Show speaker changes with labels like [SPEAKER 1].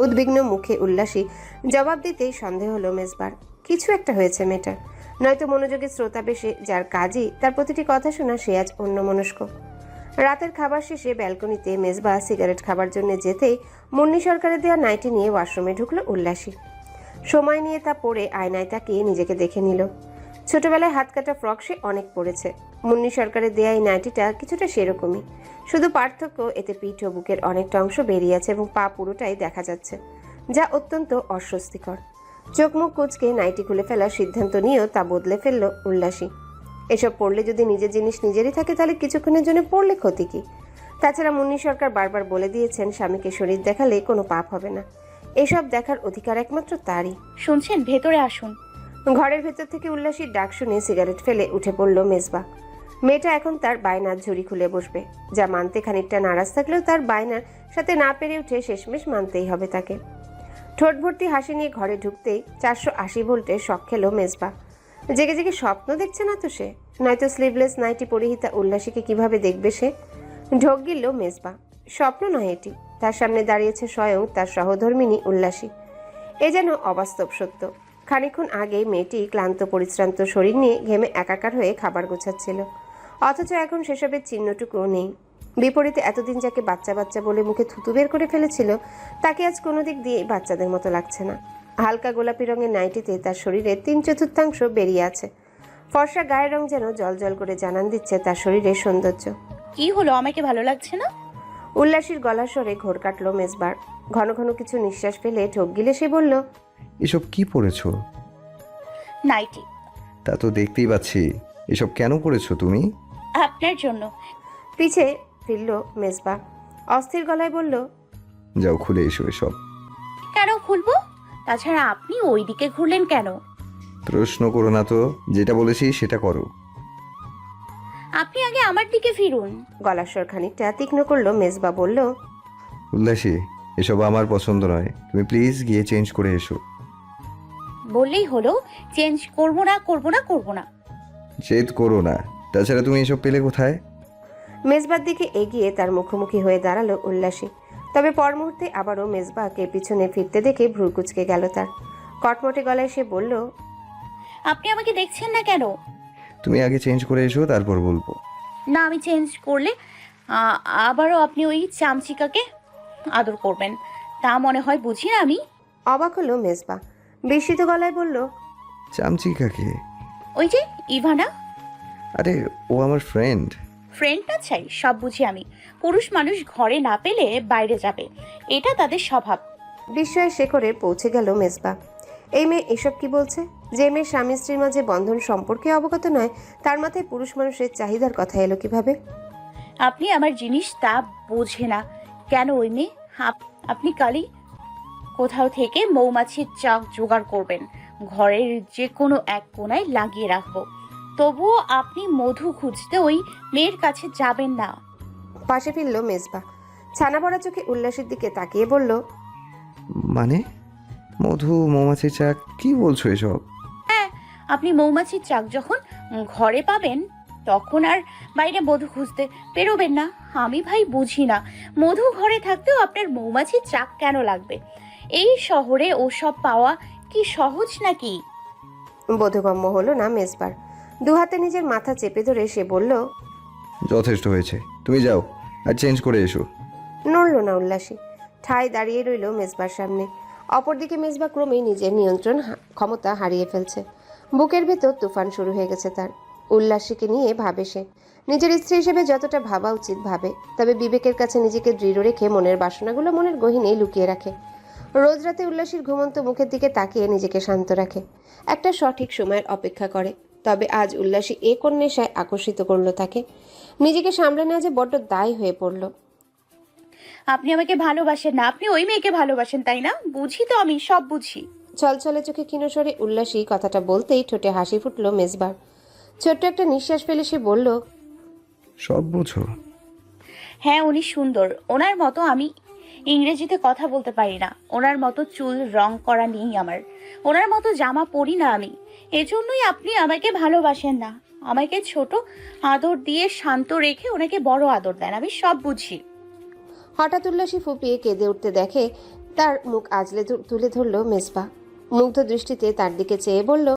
[SPEAKER 1] উদ্বিগ্ন মুখে উল্লাসী জবাব দিতেই সন্দেহ হলো মেজবার। কিছু একটা হয়েছে মেয়েটার, নয়তো মনোযোগের শ্রোতা বেশে যার কাজই তার প্রতিটি কথা শোনা, সে আজ অন্যমনস্ক। রাতের খাবার শেষে ব্যালকনিতে মেজবা সিগারেট খাবার জন্য যেতেই মুন্নি সরকারের দেওয়া নাইটি নিয়ে ওয়াশরুমে ঢুকলো উল্লাসী। সময় নিয়ে তা পরে আয়নায় তাকিয়ে নিজেকে দেখে নিল। ছোটবেলায় হাত কাটা ফ্রক সে অনেক পরেছে। মুন্নি সরকারের দেয়া এই নাইটিটা কিছুটা সেরকমই, শুধু পার্থক্য এতে পিঠ ও বুকের অনেকটা অংশ বেরিয়ে আছে এবং পা পুরোটাই দেখা যাচ্ছে, যা অত্যন্ত অস্বস্তিকর। চোখ মুখ কুচকে নাইটি খুলে ফেলার সিদ্ধান্ত নিয়েও তা বদলে ফেলল উল্লাসী। এসব পড়লে যদি নিজের জিনিস নিজেরই থাকে তাহলে কিছুক্ষণের জন্য পড়লে ক্ষতি কি? তাছাড়া মুন্নি সরকার বারবার বলে দিয়েছেন স্বামীকে শরীর দেখালে কোনো পাপ হবে না। এসব দেখার অধিকার একমাত্র তারই।
[SPEAKER 2] শুনছেন, ভেতরে আসুন।
[SPEAKER 1] ঘরের ভেতর থেকে উল্লাসীর ডাক শুনে সিগারেট ফেলে উঠে পড়ল মেজবা। মেয়েটা এখন তার বায়নার ঝুড়ি খুলে বসবে, যা মানতে খানিকটা নারাজ থাকলেও তার বায়নার সাথে না পেরে উঠে শেষমেশ মানতেই হবে তাকে। ঠোঁট ভর্তি হাসি নিয়ে ঘরে ঢুকতেই 480 ভোল্টের শখ খেলো মেজবা। জেগে জেগে স্বপ্ন দেখছে না তো সে? নয়তো স্লিভলেস নাইটি পরিহিতা উল্লাসীকে কিভাবে দেখবে সে? ঢোক গিলল মেজবা। স্বপ্ন নয় এটি, তার সামনে দাঁড়িয়েছে স্বয়ং তার সহধর্মিণী উল্লাসী। এ যেন অবাস্তব সত্য। খানিকক্ষণ আগে মেয়েটি ক্লান্ত পরিশ্রান্ত শরীর নিয়ে ঘেমে একাকার হয়ে খাবার গোছাচ্ছিল, অথচ এখন সেসবের চিহ্নটুকুও নেই। বিপরীতে এতদিন যাকে বাচ্চা বাচ্চা বলে মুখে থুতু বের করে ফেলেছিল, তাকে আজ কোনো দিক দিয়েই বাচ্চাদের মতো লাগছে না। হালকা গোলাপি রঙের নাইটিতে তার শরীরের 3/4 বেরিয়ে আছে। ফর্সা গায়ের রং যেন জল জল করে জানান দিচ্ছে তার শরীরের সৌন্দর্য।
[SPEAKER 2] কি হলো, আমাকে ভালো লাগছে না?
[SPEAKER 1] উল্লাসীর গলার স্বরে ঘোর কাটল মেজবার। ঘন ঘন কিছু নিঃশ্বাস ফেলে ঢোক গিলে সে বলল,
[SPEAKER 3] এসব কি পড়েছো?
[SPEAKER 2] নাইটি।
[SPEAKER 3] তা তো দেখতেই পাচ্ছি। এসব কেন করেছো তুমি?
[SPEAKER 2] আপনার জন্য।
[SPEAKER 1] পিছে ফিরল মেজবা, অস্থির গলায় বলল,
[SPEAKER 3] যাও খুলে এসো এসব।
[SPEAKER 2] কেন খুলবো? তাছাড়া আপনি ওই দিকে ঘুরলেন কেন?
[SPEAKER 3] প্রশ্ন করো না তো, যেটা বলেছি সেটা করো।
[SPEAKER 2] আপনি আগে আমার দিকে ফিরুন।
[SPEAKER 1] গলার স্বর খানিকটা তীক্ষ্ণ করল মেজবা, বলল,
[SPEAKER 3] উল্লাসী, এসব আমার পছন্দ নয়, তুমি প্লিজ গিয়ে চেঞ্জ করে এসো।
[SPEAKER 2] বললেই হলো, চেঞ্জ করবো না করবো না করবো না।
[SPEAKER 3] জেদ করো না। তাছাড়া তুমি এসব পেলে কোথায়?
[SPEAKER 1] মেজবার দিকে এগিয়ে তার মুখোমুখি হয়ে দাঁড়ালো উল্লাসী। তবে পর মুহূর্তে আবারও মেজবাকে পিছনে ফিরতে দেখে ভ্রু কুচকে গেল তার। কটমটে গলায় সে বলল,
[SPEAKER 2] আপনি আমাকে দেখছেন না কেন?
[SPEAKER 3] তুমি আগে চেঞ্জ করে এসো, তারপর বলবো।
[SPEAKER 2] না, আমি চেঞ্জ করলে আবারও আপনি ওই চামচিকাকে আদর করবেন, তা মনে হয় বুঝি না আমি?
[SPEAKER 1] অবাক হলো মেজবা, বিস্মিত গলায় বলল,
[SPEAKER 3] চামচিকাকে?
[SPEAKER 2] ওই যে ইভানা।
[SPEAKER 3] আরে ও আমার ফ্রেন্ড।
[SPEAKER 2] ফ্রেন্ড না চাই, সব বুঝি আমি। পুরুষ মানুষ ঘরে না পেলে বাইরে যাবে, এটা তাদের স্বভাব।
[SPEAKER 1] বিস্ময়ের শেখরে পৌঁছে গেল মেজবা। এই মেয়ে এসব কি বলছে? যে মেয়ে স্বামী স্ত্রীর মাঝে বন্ধন সম্পর্কে অবগত নয়, তার মাথায় পুরুষ মানুষের চাহিদার কথা এলো কিভাবে?
[SPEAKER 2] আপনি আমার জিনিস তা বোঝে না কেন ওই মেয়ে? আপনি কালই কোথাও থেকে মৌমাছির চাক জোগাড় করবেন, ঘরের যে কোনো এক কোণায় লাগিয়ে রাখবো। তবুও আপনি মধু খুঁজতে ওই মেয়ের কাছে যাবেন না।
[SPEAKER 1] পাশে ফিরল মেজবা, ছানা ভরা চোখে উল্লাসের দিকে তাকিয়ে বলল,
[SPEAKER 3] মানে? মধু, মৌমাছি চাক, কি বলছো এসব?
[SPEAKER 2] হ্যাঁ, আপনি মৌমাছির চাক যখন ঘরে পাবেন তখন আর বাইরে মধু খুঁজতে বেরোবেন না। আমি ভাই বুঝি না, মধু ঘরে থাকতেও আপনার মৌমাছির চাক কেন লাগবে? এই শহরে ওসব পাওয়া কি সহজ নাকি?
[SPEAKER 1] বোধগম্য হলো না মেজবার। দুহাতে নিজের মাথা চেপে ধরে সে বলল,
[SPEAKER 3] যথেষ্ট হয়েছে, তুমি যাও আর চেঞ্জ করে এসো।
[SPEAKER 1] নড়ল না উল্লাসী, ঠায় দাঁড়িয়ে রইল মেজবার সামনে। অপরদিকে মেজবা ক্রমেই নিজের নিয়ন্ত্রণ ক্ষমতা হারিয়ে ফেলছে। বুকের ভেতর তুফান শুরু হয়ে গেছে তার। উল্লাসীকে নিয়ে ভাবে সে, নিজের স্ত্রী হিসেবে যতটা ভাবা উচিত ভাবে, তবে বিবেকের কাছে নিজেকে দৃঢ় রেখে মনের বাসনাগুলো মনের গহীনেই লুকিয়ে রাখে। রোজ রাতে উল্লাসীর ঘুমন্ত মুখের দিকে তাকিয়ে নিজেকে শান্ত রাখে, একটা সঠিক সময়ের অপেক্ষা করে। তবে আজ উল্লাসী এ কোন নেশায় আকর্ষিত করলো তাকে? নিজেকে সামলে নেওয়া যে বড্ড দায় হয়ে পড়ল।
[SPEAKER 2] আপনি আমাকে ভালোবাসেন না, আপনি ওই মেয়েকে ভালোবাসেন, তাই না? বুঝি তো, আমি সব বুঝি।
[SPEAKER 1] ছলছলে চোখে ক্ষীণস্বরে উল্লাসী কথাটা বলতেই ঠোঁটে হাসি ফুটল মেজবার। ছোট্ট একটা নিঃশ্বাস ফেলে সে বলল,
[SPEAKER 3] সব বুঝো?
[SPEAKER 2] হ্যাঁ, উনি সুন্দর। ওনার মতো আমি ইংরেজিতে কথা বলতে পারি না, ওনার মতো চুল রং করা নেই আমার, ওনার মতো জামা পরি না আমি। এজন্যই আপনি আমাকে ভালোবাসেন না। আমাকে ছোট আদর দিয়ে শান্ত রেখে ওনাকে বড় আদর দেন, আমি সব বুঝি।
[SPEAKER 1] হঠাৎ উল্লাসী ফুপিয়ে কেঁদে উঠতে দেখে তার মুখ আজলে তুলে ধরল মেজবা। মুগ্ধ দৃষ্টিতে তার দিকে চেয়ে বলল,